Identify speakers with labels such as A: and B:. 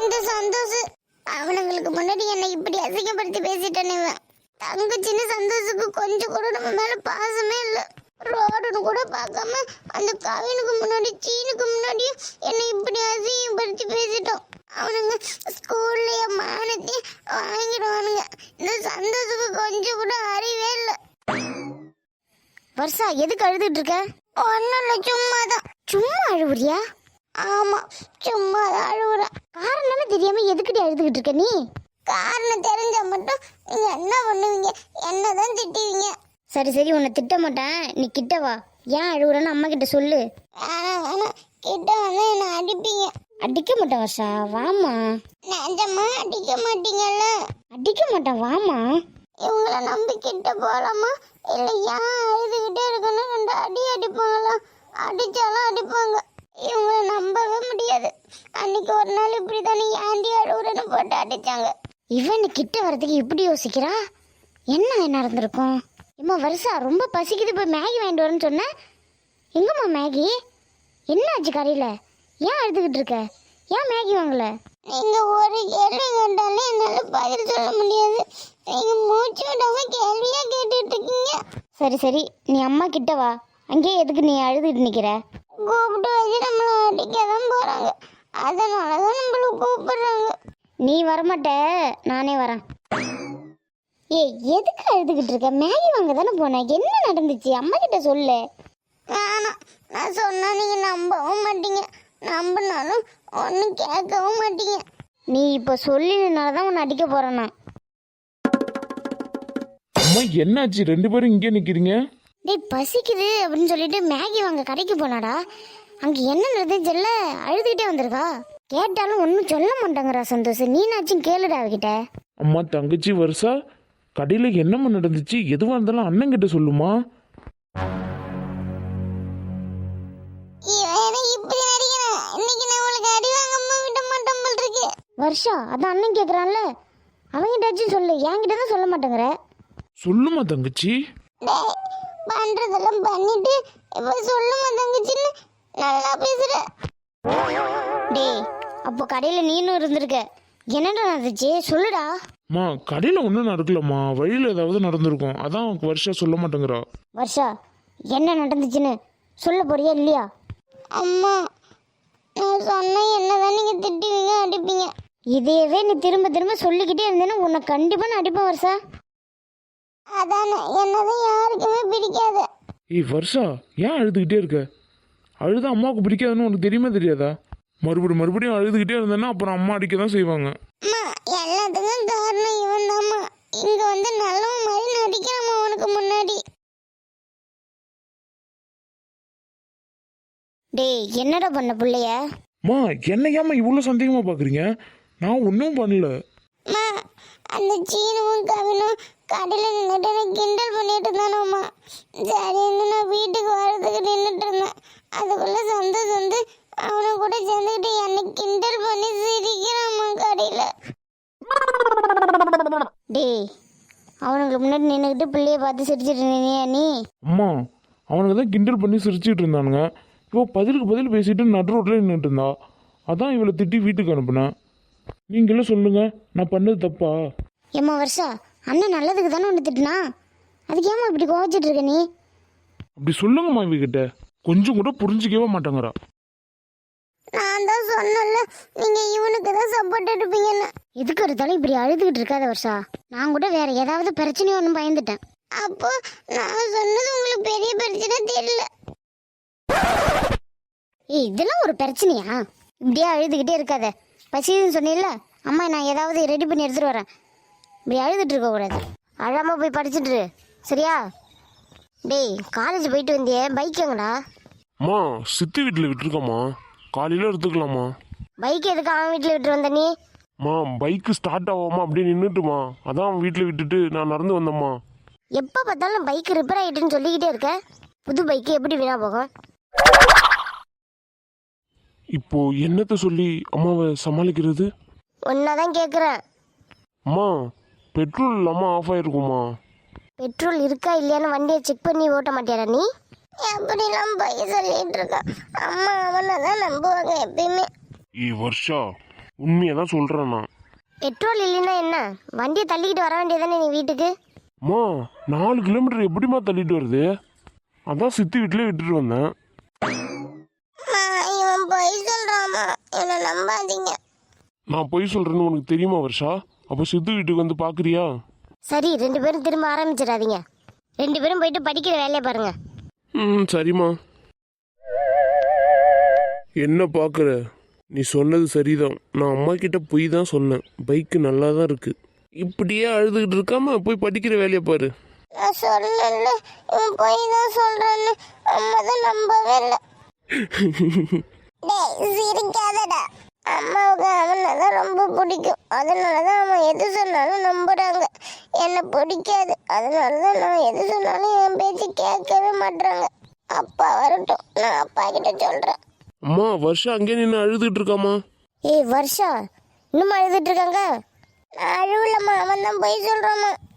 A: இந்த சந்தோஷ் அவனுங்களுக்கு முன்னாடி என்னை இப்படி அசிங்கப்படுத்தி பேசிட்டானே இவன். தங்கச்சின்னு சந்தோஷுக்கு கொஞ்சம் கூட நம்ம மேல பாசமே இல்லை. ரோடுன்னு கூட பார்க்காம அந்த கவினுக்கு முன்னாடி சீனுக்கு முன்னாடி என்னை இப்படி அசிங்கப்படுத்தி பேசிட்டோம். அவனுங்க ஸ்கூல்லையே மானத்தையும் வாங்கிடுவானுங்க. இந்த சந்தோஷுக்கு கொஞ்சம் கூட அறிவே இல்லை.
B: வருஷா எதுக்கு அழுதுட்டு இருக்க?
A: ஒன்னும் இல்லை, சும்மாதான்.
B: சும்மா அழுவுறியா?
A: ஆமா, சும்மாதான் அழுவுறேன்.
B: காரணமே தெரியாம எதுக்குடி அழுதுகிட்டு இருக்க நீ?
A: காரணம் தெரிஞ்சா மட்டும் நீங்க என்ன பண்ணுவீங்க? என்னதான் திட்டுவீங்க.
B: சரி சரி, உன்னை திட்ட மாட்டேன், நீ கிட்ட வா. ஏன் அழுகுறன்னு அம்மா கிட்ட சொல்லு.
A: வேணாம், கிட்ட வந்து என்ன அடிப்பீங்க.
B: அடிக்க மாட்டேன் வருஷா, வாமா.
A: நிஜமா அடிக்க மாட்டீங்கல்ல?
B: அடிக்க மாட்டேன், வாமா.
A: இவங்கள நம்பி கிட்ட போலாமா? இல்ல ஏன் அழுதுகிட்டே இருக்கணும் 2 அடி அடிப்பாங்களா? அடிச்சாலும் அடிப்பாங்க. இவங்கள நம்பவே முடியாது. அன்னைக்கு ஒரு நாள் இப்படித்தானே ஏண்டி அழுகுறன்னு போட்டு அடிச்சாங்க.
B: இவன் கிட்ட வரதுக்கு இப்படி யோசிக்கிறா? என்ன நடந்திருக்கும்? ஏம்மா வருஷா, ரொம்ப பசிக்குது, போய் மேகி வாங்கிட்டு வரேன்னு சொன்னேன். எங்கம்மா மேகி? என்ன ஆச்சு கடையில்? ஏன் அழுதுகிட்டு இருக்க? ஏன் மேகி வாங்கல?
A: நீங்க ஒரு கேள்வி கேட்டாலே என்னால பதில் சொல்ல முடியாது. நீங்க மூச்சு விடாம கேள்வியா கேட்டுட்டு இருக்கீங்க.
B: சரி சரி, நீ அம்மா கிட்ட வா. அங்கேயே எதுக்கு நீ அழுதுகிட்டு நிற்கிற?
A: கூப்பிட்டு வச்சு நம்மளை அடிக்க தான் போறாங்க. அதனாலதான் நம்மள கூப்பிடுறாங்க.
B: நீ வரமாட்ட, நானே வரேன். ஏய், எதுக்கு அழுதுகிட்டு இருக்க? மேகி வாங்க தானே போனேன். என்ன நடந்துச்சு? அம்மா கிட்ட சொல்லு.
A: வேணாம், நான் சொன்னா நீங்க நம்பவும் மாட்டீங்க. நம்பினாலும் ஒன்னும் கேட்கவும் மாட்டீங்க.
B: நீ இப்போ சொல்லினால தான் உன்னை அடிக்க போறேன் நான்.
C: அம்மா என்னாச்சு? 2 பேரும் இங்கே நிக்கிறீங்க?
B: டேய், பசிக்குது அப்படின்னு சொல்லிட்டு மேகி வாங்க கடைக்கு போனாடா. அங்கே என்ன நடந்துச்சுல்ல, அழுதுகிட்டே வந்திருக்கா. கேட்டாலும் ஒன்றும் சொல்ல மாட்டாங்கடா சந்தோஷ். நீனாச்சும் கேளுடா அவகிட்ட.
C: அம்மா தங்கச்சி வருஷா, கடையில் என்னம்மா நடந்துச்சு? எதுவாக இருந்தாலும் அண்ணன் கிட்ட சொல்லுமா.
A: இப்படி நடிக்கிறேன். இன்னைக்கு நான் உங்களுக்கு அடி வாங்காம விட மாட்டேன் போல் இருக்கு.
B: வருஷா, அதான் அண்ணன் கேட்குறான்ல, அவங்கிட்டாச்சும் சொல்லு. என்கிட்ட தான் சொல்ல மாட்டேங்கிற.
C: சொல்லுமா தங்கச்சி.
A: டேய், பண்றதெல்லாம் பண்ணிட்டு இப்ப சொல்லுமா தங்கச்சின்னு நல்லா பேசுற.
B: டேய், அப்போ கடையில் நீனும் இருந்திருக்க. என்னடா நடந்துச்சு சொல்லுடா.
C: அம்மா கடையில் ஒன்றும் நடக்கலம்மா, வழியில் ஏதாவது நடந்திருக்கும், அதான் வருஷா சொல்ல மாட்டேங்கிறா.
B: வருஷா, என்ன நடந்துச்சுன்னு சொல்ல போறியா இல்லையா?
A: அம்மா, நான் சொன்னா என்னதான் நீங்க திட்டுவீங்க அடிப்பீங்க.
B: இதையவே நீ திரும்ப திரும்ப சொல்லிக்கிட்டே இருந்தேன்னா உன்னை கண்டிப்பா நான் அடிப்பேன் வருஷா.
A: அதானே, என்னதான் யாருக்குமே பிடிக்காது.
C: ஏய் வருஷா, ஏன் அழுதுகிட்டே இருக்க? அழுத அம்மாவுக்கு பிடிக்காதுன்னு உனக்கு தெரியுமா தெரியாதா? மறுபடியும் அழுதுகிட்டே இருந்தேன்னா அப்புறம் அம்மா அடிக்க தான் செய்வாங்க.
A: அம்மா, எல்லாத்துக்கும் காரணம் இவன் தாம்மா. இங்க வந்து நல்லவன் மாதிரி நடிக்கிறாமா உனக்கு முன்னாடி.
B: டேய், என்னடா பண்ண புள்ளைய?
C: அம்மா என்ன ஏம்மா இவ்வளோ சந்தேகமாக பார்க்குறீங்க? நான் ஒன்றும் பண்ணல.
A: அம்மா, அந்த சீனுவும் கவினும் கடையில நின்றுட்டு எனக்கு கிண்டல் பண்ணிட்டு இருந்தானோம்மா. சரின்னு நான் வீட்டுக்கு வர்றதுக்கு நின்றுட்டு இருந்தேன். அதுக்குள்ள சந்தோஷ் வந்து அவனை கூட சேர்ந்துக்கிட்டு என்னை கிண்டல் பண்ணி சிரிக்கிறாம்மா கடையில.
B: டேய், அவனுங்களுக்கு முன்னாடி நின்றுக்கிட்டு பிள்ளைய பார்த்து சிரிச்சிட்டு இருந்தீங்க நீ.
C: அம்மா அவனுக்கு தான் கிண்டல் பண்ணி சிரிச்சிட்டு இருந்தானுங்க. இப்போ பதிலுக்கு பதில் பேசிட்டு நடு ரோட்டில் நின்றுட்டு இருந்தா. அதான் இவளை திட்டி வீட்டுக்கு அனுப்புனேன். நீங்களும் சொல்லுங்க, நான் பண்ணது தப்பா?
B: ஏம்மா வருஷா, அண்ணன் நல்லதுக்கு தானே ஒன்று திட்டுனா, அதுக்கு ஏமா இப்படி கோவச்சிட்டு இருக்க நீ?
C: அப்படி சொல்லுங்கம்மா இவகிட்ட. கொஞ்சம் கூட புரிஞ்சிக்கவே மாட்டேங்கிறா.
A: நான் தான் சொன்னல, நீங்க இவனுக்கு தான் சப்போர்ட் எடுப்பீங்கன்னு.
B: எதுக்கு எடுத்தாலும் இப்படி அழுதுகிட்டு இருக்காத வருஷா. நான் கூட வேற ஏதாவது பிரச்சனையும் ஒன்றும் பயந்துட்டேன்.
A: அப்போ நான் சொன்னது உங்களுக்கு பெரிய பிரச்சனை தெரியல.
B: ஏய், இதெல்லாம் ஒரு பிரச்சனையா? இப்படியே அழுதுகிட்டே இருக்காத. பசின்னு சொன்னீல்ல, அம்மா நான் ஏதாவது ரெடி பண்ணி எடுத்துட்டு வரேன். இப்படி அழுதுட்டு இருக்க கூடாது. அழாம போய் படிச்சுட்டு இரு, சரியா? டேய், காலேஜ் போயிட்டு வந்தியே, பைக் எங்கடா?
C: அம்மா சித்தி வீட்டில் விட்டுருக்கம்மா, காலையில் எடுத்துக்கலாமா?
B: பைக் எதுக்கு அவன் வீட்டில் விட்டு வந்த நீ?
C: அம்மா பைக்கு ஸ்டார்ட் ஆகாமா அப்படியே நின்றுட்டுமா, அதான் வீட்டில் விட்டுட்டு நான் நடந்து வந்தேம்மா.
B: எப்போ பார்த்தாலும் பைக் ரிப்பேர் ஆகிட்டுன்னு சொல்லிக்கிட்டே இருக்க. புது பைக்கு எப்படி வீணா போகும்?
C: இப்போ என்னத்தை சொல்லி அம்மாவை சமாளிக்கிறது?
B: ஒன்னாதான் கேட்குறேன்.
C: அம்மா பெட்ரோல் இல்லாமல் ஆஃப் ஆயிருக்குமா?
B: பெட்ரோல் இருக்கா இல்லையான்னு வண்டியை செக் பண்ணி ஓட்ட மாட்டியாடா நீ?
A: எப்படிலாம் போய் சொல்லிட்டு இருக்கான். அம்மா அவனை தான் நம்புவாங்க எப்பயுமே.
C: வருஷா, உண்மையை தான் சொல்கிறேன் நான்.
B: பெட்ரோல் இல்லைன்னா என்ன, வண்டியை தள்ளிக்கிட்டு வர வேண்டியதானே நீ வீட்டுக்கு?
C: அம்மா 4 கிலோமீட்டர் எப்படிம்மா தள்ளிட்டு வருது? அதான் சித்தி வீட்டிலே விட்டுட்டு வந்தேன்.
A: இவன் பொய் சொல்றாமா, என்ன நம்பாதீங்க.
C: நான் பொய் சொல்கிறேன்னு உனக்கு தெரியுமா வருஷா? அப்போ சித்து வீட்டுக்கு வந்து பார்க்குறியா?
B: சரி, 2 பேரும் திரும்ப ஆரம்பிச்சிடாதீங்க. 2 பேரும் போயிட்டு படிக்கிற வேலையை பாருங்க.
C: சரிம்மா. என்ன பார்க்குற? நீ சொன்னது சரிதான். நான் அம்மா கிட்ட போய் தான் சொன்னேன், பைக்கு நல்லா தான் இருக்கு. இப்படியே அழுதுகிட்டு இருக்காம போய் படிக்கிற வேலையை பாரு.
A: நான் சொல்லல இவன் பொய் தான் சொல்றான்னு, அம்மா தான் நம்பவே இல்லை. டேய் சிரிக்காதடா. அம்மாவுக்கு அவனை தான் ரொம்ப பிடிக்கும், அதனால தான் அவன் எது சொன்னாலும் நம்புறாங்க. என்னை பிடிக்காது, அதனால தான் நான் எது சொன்னாலும் என் பேச்சு கேட்கவே மாட்றாங்க. அப்பா வரட்டும், நான் அப்பா கிட்ட சொல்றேன்.
C: அம்மா வருஷம் அங்கே நின்று அழுதுகிட்டு இருக்காமா?
B: ஏய் வருஷா, இன்னும் அழுதுட்டு இருக்காங்க?
A: நான் அழுவலம்மா, அவன் தான் பொய் சொல்றாமா.